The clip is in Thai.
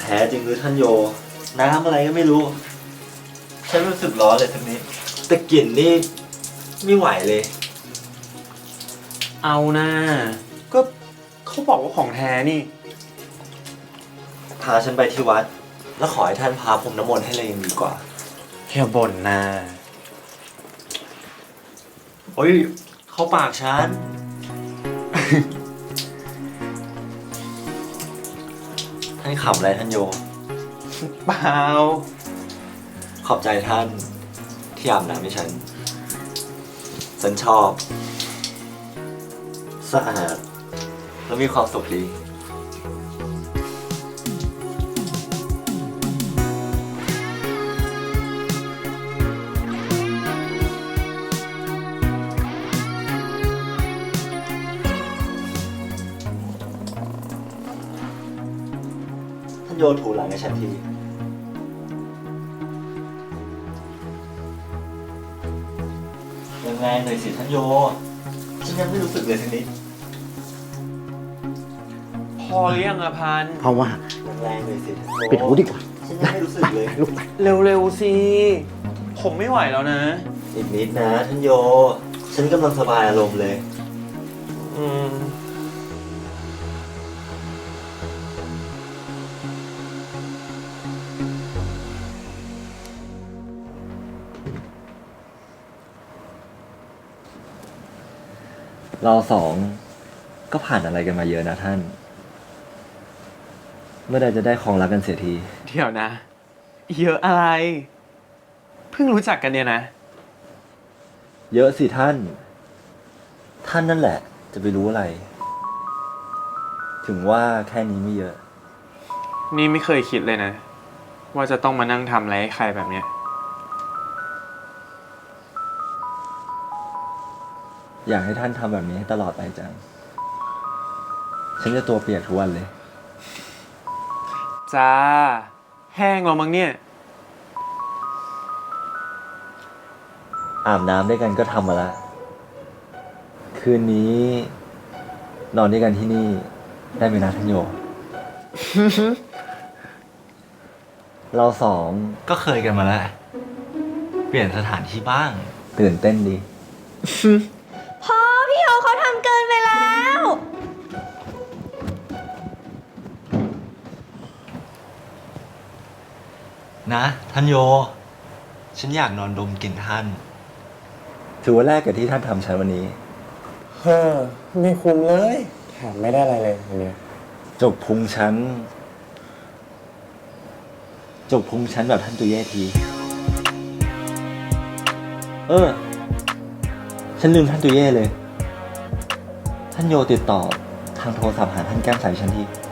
พ้จริงหรือท่านโยน้ำอะไรก็ไม่รู้ฉันรู้สึกร้อนเลยทั้งนี้แต่กลิ่นนี่ไม่ไหวเลยเอานะก็เขาบอกว่าของแท้นี่พาฉันไปที่วัด แล้วขอให้ท่านพาพรมน้ำมนต์ให้เลยยังดีกว่าอย่าบ่นนะโอ้ยเข้าปากฉัน ท่านขำอะไรท่านโยเปล่าขอบใจท่านที่อาบน้ำให้ฉัน ฉันชอบ สะอาด แล้วมีความสุขดี ท่านโยถูหลังให้ฉันที แรงๆหน่อยสิท่านโย ฉันยังไม่รู้สึกเลยทีนี้พอหรือยังอะพันเพราะว่าแรงๆหน่อยสิท่านโยปิดหูดีกว่าฉันยังไม่รู้สึกเลยลูกไปเร็วๆสิ ผมไม่ไหวแล้วนะอีกนิดนะท่านโย ฉันกำลังสบายอารมณ์เลยอืมเราสองก็ผ่านอะไรกันมาเยอะนะท่าน เมื่อใดจะได้ครองรักกันเสียทีเดี๋ยวนะ เยอะอะไร เพิ่งรู้จักกันเนี่ยนะเยอะสิท่าน ท่านนั่นแหละ จะไปรู้อะไร ถึงว่าแค่นี้ไม่เยอะนี่ไม่เคยคิดเลยนะ ว่าจะต้องมานั่งทำอะไรให้ใครแบบเนี้ยอยากให้ท่านทำแบบนี้ให้ตลอดไปจัง ฉันจะตัวเปียกทุกวันเลยจ้า แห้งแล้วมั้งเนี่ยอาบน้ำด้วยกันก็ทำมาละ คืนนี้ นอนด้วยกันที่นี่ ได้ไหมนะท่านโย เราสองก็เคยกันมาแล้ว เปลี่ยนสถานที่บ้าง ตื่นเต้นดีพ่อพี่โอเขาทำเกินไปแล้วนะท่านโย ฉันอยากนอนดมกลิ่นท่าน ถือว่าแรกกับที่ท่านทำฉันวันนี้เฮ้อไม่คุ้มเลยแถมไม่ได้อะไรเลยอันเนี้ยจกพุงฉัน จกพุงฉันแบบท่านตุเย่ที ฉันลืมท่านตุเย่เลย ท่านโยติดต่อทางโทรศัพท์หาท่านแก้มใสฉันที